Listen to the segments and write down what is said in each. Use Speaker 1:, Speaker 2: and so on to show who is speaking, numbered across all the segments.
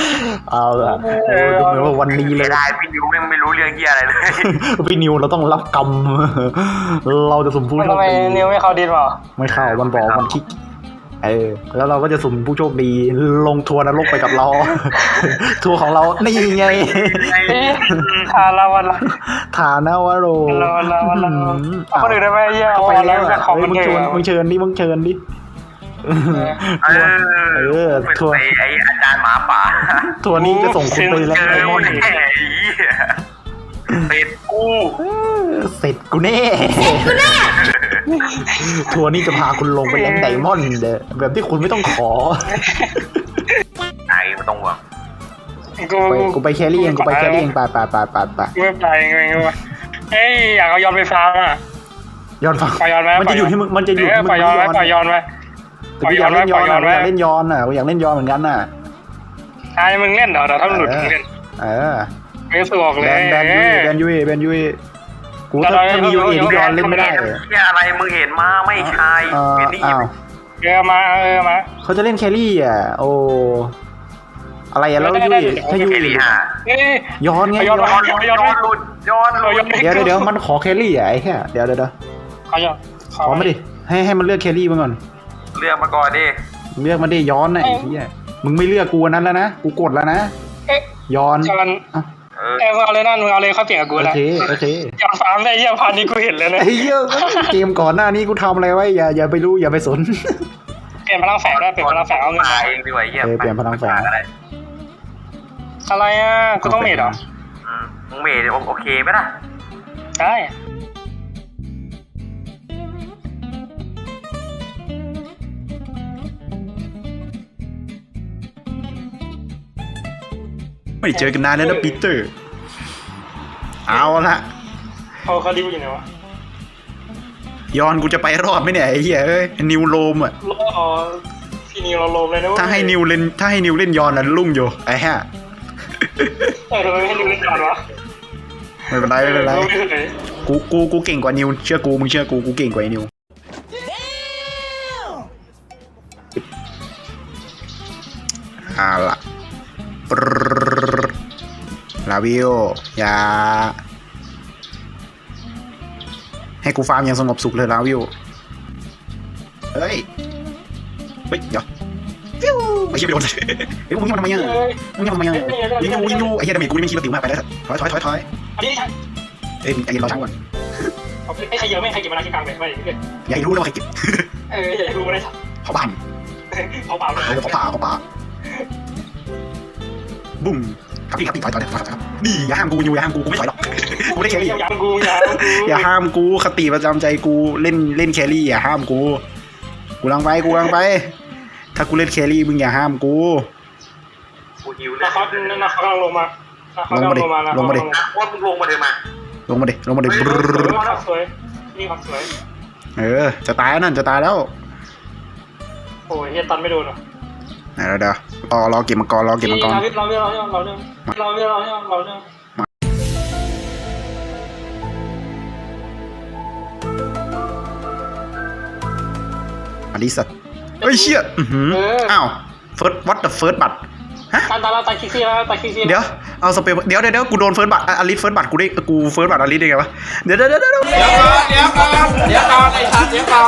Speaker 1: เอาละดูเหมือนว่าวันนี้เลย
Speaker 2: ไม่ได้พี่นิวไม่รู้เรื่องเฮียอะไรเลย
Speaker 1: พี่นิวเราต้องรับกรรมเราจะสุ่มผู้โช
Speaker 3: ทำ
Speaker 1: ค
Speaker 3: ไม
Speaker 1: ดี
Speaker 3: นิวไม่เข้าดินเปล่า
Speaker 1: ไม่เข้ามันบอกมันคิกแล้วเราก็จะสุ่มผู้โชคดีลงทัวร์นรกไปกับเรา ทัวร์ของเรานี่ไง
Speaker 3: ทาราวันละ
Speaker 1: ฐานาวโร
Speaker 3: วันละเอาคนอื่นได้ไหมเยี่ย
Speaker 1: เข้าไปแล้ว
Speaker 3: ของมัน
Speaker 1: มึง
Speaker 3: เย
Speaker 1: เชิญ
Speaker 3: อะ
Speaker 1: มึงเชิญดิมึงเชิญดิ
Speaker 2: เป็น
Speaker 1: ทัวร์
Speaker 2: ไออาจารย์หมาป่า
Speaker 1: ทัวร์นี้จะส่งคุณไปแล้ว
Speaker 2: เจ
Speaker 1: ไอ
Speaker 2: อ
Speaker 1: มอน
Speaker 2: แน่เป็ดกู
Speaker 1: เสร็จกูแน่ทัวร์นี้จะพาคุณลงไปแรงไดมอนด์แบบที่คุณไม่ต้องขอ
Speaker 2: ไอ้ไม่ต้องห่วง
Speaker 1: กูไปแครี่เองกูไปแครี่เองไป
Speaker 3: ไม่ไปไงวะเฮ้ยอยากเอาย้อนไฟฟ้าอ่ะ
Speaker 1: ย้อนฟัง
Speaker 3: ปล่อยย้อนไหม
Speaker 1: มันจะอยู่ที่มึงมันจะอยู่ที่มึง
Speaker 3: ปล่อยย้อนไหมปล่อยย้อนไหม
Speaker 1: แต่กูอยากเล่นย้อนอ่ะอยากเล่นย้อนอ่ะกูอยากเล่นย้อนเหมือนกันน่ะ
Speaker 3: ใช่มึงเล่นเดี๋ยวถ้ามันหลุดมึงเล่น ไม่สะดวกเลย
Speaker 1: แบนยุยกูถ้ามียูเอที่ย้อนเล่นไม่ได้
Speaker 2: เฮียอะไรมึงเห็นมาไม่ใช่เห็นนี่
Speaker 1: อ้าว
Speaker 3: มา
Speaker 1: เขาจะเล่นแครี่อ่ะโอ้อะไรอ่ะแล้วยุยถ้ายุย
Speaker 2: แครี่หา
Speaker 1: ย้อนไง
Speaker 3: ย้อน
Speaker 2: ย้อนหลุด
Speaker 1: เดี๋ยวมันขอแครี่อ่ะไอ้แค่เดี๋ยว
Speaker 3: ขอย้อน
Speaker 1: ขอมาดิให้มันเลือกแครี่มาก่อน
Speaker 2: เลือกมาก่อนดิ
Speaker 1: เลือกมาดิย้อนน่ะไอ้เหี้ยมึงไม่เลือกกูนั้นแล้วนะกูกดแล้วนะย้อน
Speaker 3: มึงเอาเลยนั่นมึงเอาเลยเขาเปลี่ยนกับกู
Speaker 1: โอ
Speaker 3: แล้ว
Speaker 1: เค
Speaker 3: ย้อนฟาร์มได้ยี่พันนี้กูเห็นเลยนะ
Speaker 1: ไอ้เหี้ยเกมก่อนหน้านี้กูทำอะไรไว้อย่าไปรู้อย่าไปสน
Speaker 3: เปลี่ยนพลังแฝงได้เปลี่ยนพลังแฝงเอาเงิน
Speaker 2: มาเองดีกว่าเฮีย
Speaker 1: เปลี่ยนพลังแฝง
Speaker 3: อะไรอ่ะกูต้องเมดเหรอ
Speaker 2: มึงเมดโอเคไหมล่ะ
Speaker 3: ใช่
Speaker 1: ไม่เจอกันนานแล้วนะปีเตอร์เอาละ
Speaker 3: เขาดิวอยู่ไหนวะ
Speaker 1: ย้อนกูจะไปรอดไหมเนี่ยไอ้เหี้ยเอ้ยนิวโรมอ่ะ
Speaker 3: พี่นิวเราโลมเลยนะ
Speaker 1: ถ้าให้นิวเล่นย้อนน่ะลุ่งอยู่ไอ้ห่า
Speaker 3: ทำไมไม่ให้นิวเล่นก่อนวะ
Speaker 1: ไม่เป็นไรกูเก่งกว่านิวเชื่อกูมึงเชื่อกูเก่งกว่าไอ้นิวเอาล่ะลาวิโออย่าให้กูฟาร์มอย่างสงบสุขเลยลาวิโอเฮ้ยเดี๋ยวฟิวไอ้เหี้ยไปโดนไอ้มึงยังทำไมยังยิงอยู่ไอ้เหี้ยดาเมจกูนี่ไม่คิดว่าติ๋วมากไปแล้วถอย
Speaker 3: อันนี้ใช่
Speaker 1: เอ้ยใจเย็นรอช้าก่อน
Speaker 3: ไอ้ใครเยอะไม่ใครเก็บมาล้างที่กลางเลยไม่
Speaker 1: อย่าให้รู้นะว่าใครเก็บ
Speaker 3: อย่าให้รู้ไม่ได้สัก
Speaker 1: เผาบ้าน
Speaker 3: เขาเปล่าเลย
Speaker 1: เขาป่าบุ้มครับพี่ถอยครับนี่อย่าห้ามกูไม่ถอยหรอกกูได้แครี่
Speaker 3: อย่ากู
Speaker 1: อย่าห้ามกูคติประจำใจกูเล่นแครี่อย่าห้ามกูกำลังไปถ้ากูเล่นแครี่มึงอย่าห้ามกู
Speaker 2: กูหิวเลย
Speaker 3: นะเขากำลังลงมา
Speaker 1: ลงมาดิ
Speaker 2: ว่ามึงลงมาเลยมา
Speaker 1: ลงมาดิ
Speaker 3: สวยนี่ครับสวย
Speaker 1: จะตายแล้ว
Speaker 3: โอ้ยเฮียตันไม่โดนหรอ
Speaker 1: เดี๋ยวรอเก็บมังกร
Speaker 3: เราเรื่อง
Speaker 1: อลิสัตเฮ้ยเชี่ยอ้าวเฟิร์สวัดเดอะเฟิร์สบัตฮะ
Speaker 3: ตายคิกซี่แล้ว
Speaker 1: เดี๋ยวเอาสเปรย์เดี๋ยวกูโดนเฟิร์สบัตอลิสเฟิร์สบัตกูได้กูเฟิร์สบัตอลิสได้ไงวะเดี๋ยว
Speaker 4: ก่อนไอ้สัตว์เดี๋ยวก่อน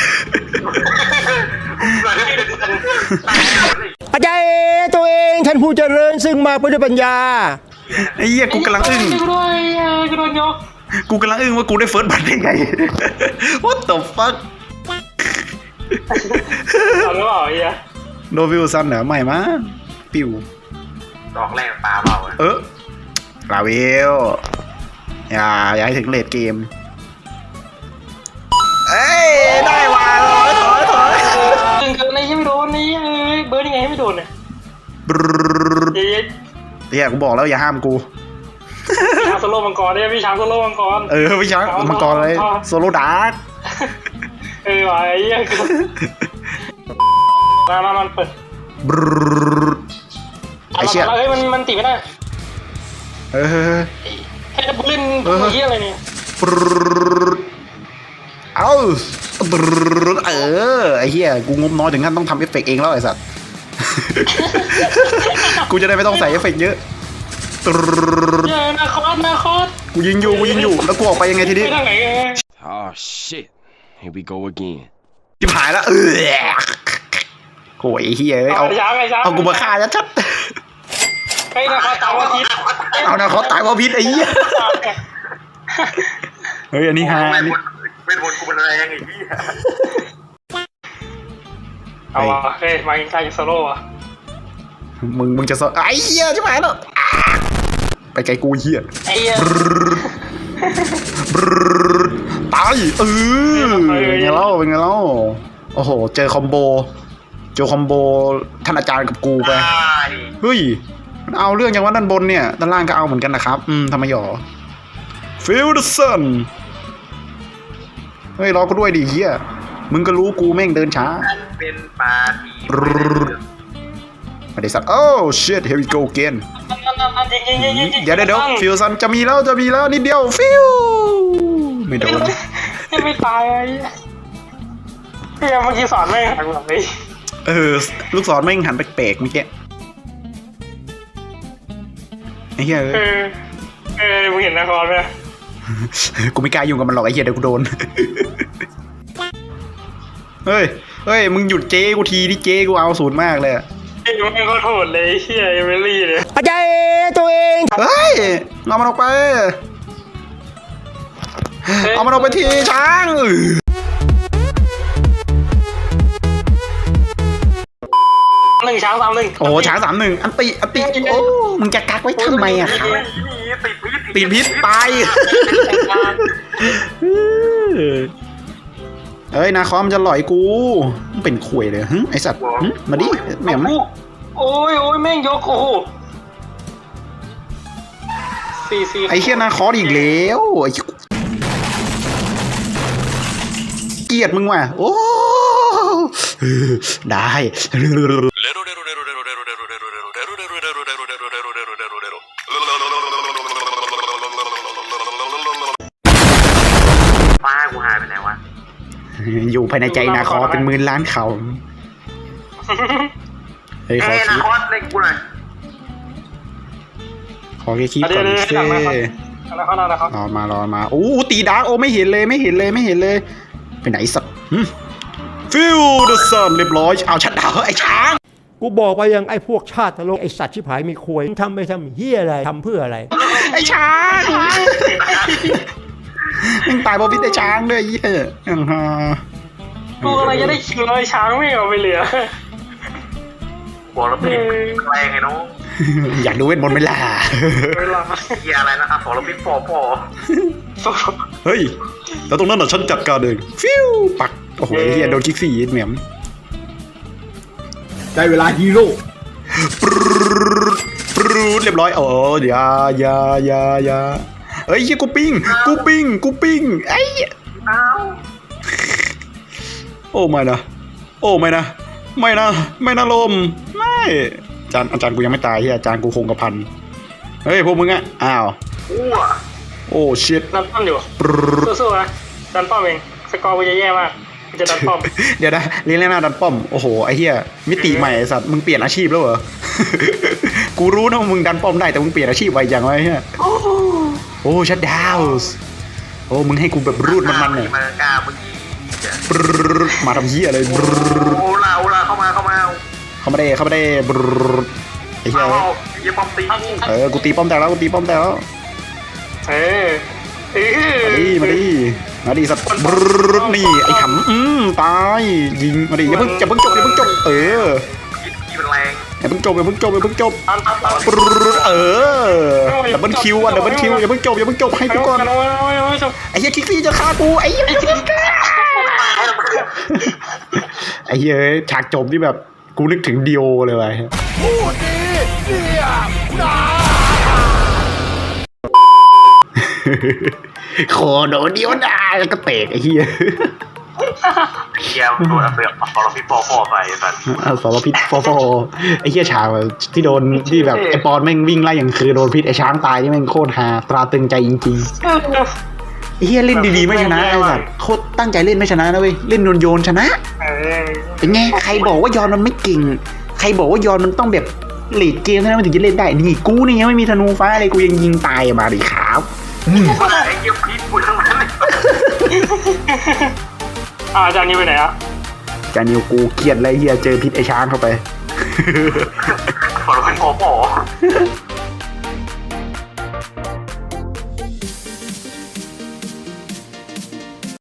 Speaker 5: อาจารย์ตัวเองท่านผู้เจริญซึ่งมาเพื่อด้วยปัญญา
Speaker 1: ไอ้เหี้ยกูกำลังอึ้ง
Speaker 3: กูโดนยก
Speaker 1: กูกำลังอึ้งว่ากูได้เฟิร์สบัตได้ไง What the fuck
Speaker 3: เอาหรือเปล่าเฮีย
Speaker 1: โนวิลซันเหรอไม่มั้งปิว
Speaker 2: ดอกแรกปลาเปล่า
Speaker 1: ลาวิลอย่าให้ถึงเลดเกมเอ้ยได้ว่ะถอย
Speaker 3: เกินในยังไม่โดนนี่เบิร์ดยังไงให้ไม่โดนเนี่ย
Speaker 1: เดี๋ยวกูบอกแล้วอย่าห้ามกู
Speaker 3: ช้างโซโล่มังกรเนี่ยพี่ช้างโซโล่มังกร
Speaker 1: พี่ช้างมังกรเลยโซโลดาร์ก
Speaker 3: ว่ะไอ้เหี้ยมันเปิด
Speaker 1: ไอ้เชี่ย
Speaker 3: มันตีไม่ได้ให้ดับเบิลเล่นเหี้ยอะไรเนี่ย
Speaker 1: ไอ้เหี้ยกูงบน้อยถึงขั้นต้องทำเอฟเฟกต์เองแล้วไอ้สัตว์กูจะได้ไม่ต้องใส่เอฟเฟกต์เยอะตรึ๊ด
Speaker 3: เย้นาคอส
Speaker 1: กูยิงอยู่แล้วกูออกไปยังไงทีนี้
Speaker 3: ไปทางไหน
Speaker 4: Oh shit. Here we go again.
Speaker 1: จิบหายแล้วโอ้ยเฮียเอา
Speaker 3: ช้างไอ้ช้าง
Speaker 1: เอากูมาฆ่าชัด
Speaker 3: ไอ้นาคอสตามว่าพิษ
Speaker 1: ๆเอานะเขาตายเพราะพิษไอ้เหี้ยเฮ้ยอันนี้ฮาอันนี้
Speaker 2: เป็นคนกูเป็นแรงไอ้เหี้ย
Speaker 3: เอาวะเฮ้ยมาใกล้ๆโซโล่อะ
Speaker 1: มึงจะสไอ้เหี้ยจิบหายแล้วไปไกลกูเหี้ย
Speaker 3: ไอ้เหี้ย
Speaker 1: ตายเป็นไงเล่าโอ้โหเจอคอมโบท่านอาจารย์กับกูไป
Speaker 2: ตาย
Speaker 1: เฮ้ยมันเอาเรื่องอย่างว่าด้านบนเนี่ยด้านล่างก็เอาเหมือนกันนะครับทำไมหรอ Feel the sun เฮ้ยรอกูด้วยดิเฮียมึงก็รู้กูแม่งเดินช้า
Speaker 2: เป็นปาที
Speaker 1: ไม่ได้สัตว์โอ้ shit here we go again เดี๋ยวฟิวซันจะมีแล้วนิดเดียวฟิวไม่โดน
Speaker 3: ไม่ตายไอ้เฮ้ยเมื่อกี้สอนไม่หันแบบนี้
Speaker 1: ลูกศรแม่งหันแปลกๆเมื่อกี้ไอ้เหี้ย
Speaker 3: มึงเห็นนาคอสไหม
Speaker 1: กูไม่กล้ายุ่งกับมันหรอกไอ้เหี้ยเดี๋ยวกูโดนเฮ้ยมึงหยุดเจ๊กูทีที่เจ๊กูเอาศูนย์มากเลย
Speaker 3: มันก็โทษเลยเฮียเอเมลี่เลย
Speaker 5: อาจารย์ตัวเอง
Speaker 1: เฮ้ยเอามันออกไปทีช้าง
Speaker 3: ช้าง3-1
Speaker 1: โอ้ช้าง3-1อันติโอ้มึงจะกักไว้ทำไมอะครับ
Speaker 2: ติดพิษ
Speaker 1: ตายเอ้ยนาคอมจะหลอยกูมันเป็นข่วยเลยไอสัตว์มาดิแหม่ม
Speaker 3: โอ้ยแม่งยกโอ้โห4
Speaker 1: ไอเชี่ยนาคออีกแล้วไอ้เกลียดมึงว่ะโอ้ได้
Speaker 2: ป้ากูหายไปไหนวะ
Speaker 1: อยู่ภายในใจนาคอเป็นหมื่นล้านเขาเฮ้ยขอ
Speaker 2: นา
Speaker 1: คี
Speaker 2: คอสเล่นกูหน่อย
Speaker 1: ขอแค่คีก่อนเซ่
Speaker 3: นะครับ
Speaker 1: รอมาโอ้ตีดาร์กโอ้ไม่เห็นเลยไปไหนสัตว์ฟิลเดอร์ซันเรียบร้อยเอาชัดดาวไอ้ช้าง
Speaker 5: กูบอกไปยังไอ้พวกชาติตลกไอ้สัตว์ชิบหายมีควยทำไปทำเฮียอะไรทำเพื่ออะไร
Speaker 1: ไอ้ช้างมึงตายเพราะพิษไอ้ช้างด้วยเหี้ย
Speaker 3: กูอะไรจะได้คิวเลยช้างไม่เอาไปเหลือ
Speaker 2: บอกแล้วเป็นแรงไงน้อง
Speaker 1: อยากดูเวทมนต์ไหมล่ะ
Speaker 3: เวลา
Speaker 2: เฮียอะไรนะครับบอกแล้วเป็นปอ
Speaker 1: เฮ้ยแล้วตรงนั้นน่ะฉันจัดการเองฟิวปักโอ้โหเฮียโดนคิกซี่เหมียม
Speaker 5: ได้เวลาฮีโร่
Speaker 1: ปรูดเรียบร้อยโอ้อย่าเฮ้ยเฮียกูปิ้งไอ้
Speaker 2: อ้าว
Speaker 1: โอ้ไม่นะลมไม่อาจารย์กูยังไม่ตายเฮียอาจารย์กูคงกระพันเฮ้ยพวกมึงอะอ้าว
Speaker 2: อ้ว
Speaker 1: โอ้ชิต
Speaker 3: ดันป้อมอยู่สู้ๆนะดันป้อมเองสกอร์กูจะแย่มากกูจะดันป้อม
Speaker 1: เดี๋ยวนะเลี้ยงหน้าดันป้อมโอ้โหไอ้เฮียมิติใหม่ไอ้สัตว์มึงเปลี่ยนอาชีพแล้วเหรอ กูรู้นะว่ามึงดันป้อมได้แต่มึงเปลี่ยนอาชีพไปอย่างไรเฮียโอ้ชัดดาวส์โอ้มึงให้กูแบบรูดมันเนี่ย
Speaker 2: มากาเมื่อกี้
Speaker 1: มาทำเฮียอะไร
Speaker 2: โอ้ลาเข้ามา
Speaker 1: เข้ามาได้ไอ้เฮีย
Speaker 2: เอาอย่าปอมตี
Speaker 1: กูตีป้อมแตกแล้วมาดิสัตว์นี่ไอ้ขำตายยิงมาดิอย่าเพิ่งจบ
Speaker 2: ที่เป็นแรง
Speaker 1: อย่าเพิ่งจบดับเบิลคิวอย่าเพิ่งจบให้กูก่อนไอ้เหี้ยคิกซี่จะฆ่ากูไอ้เหี้ยไอ้เหี้ยฉากจบที่แบบกูนึกถึงดิโอเลยว่ะโคโดเดียวได้แล้วก็เตะไอ้เหี้ย
Speaker 2: เฮียโดนเสือกสารพิษปอไปสัตว์
Speaker 1: สารพิษฟอไอ้เหี้ยฉากที่โดนที่แบบไอ้ปอนแม่งวิ่งไล่อย่างคือโดนพิษไอ้ช้างตายนี่แม่งโคตรฮาตราตึงใจจริงๆไอ้เหี้ยเล่นดีๆไม่ชนะไอ้สัตว์โคตรตั้งใจเล่นไม่ชนะนะเว้ยเล่นโยนชนะเป็นไงใครบอกว่ายอนมันไม่เก่งใครบอกว่ายอนมันต้องแบบเลดเกมเท่านั้นมันถึงจะเล่นได้นี่กูนี่ยังไม่มีธนูฟ้าเลยกูยังยิงตายมาดิครับ
Speaker 2: ไอ้เหี้ยพีทกูทั้งนั้นเลย
Speaker 3: อาจารย์นี่ไปไหนอะ
Speaker 1: จานิวกูเกลียดอะไรเฮียเจอพิษไอช้างเข้าไป
Speaker 2: ฟอร์มเป็นโอ้โห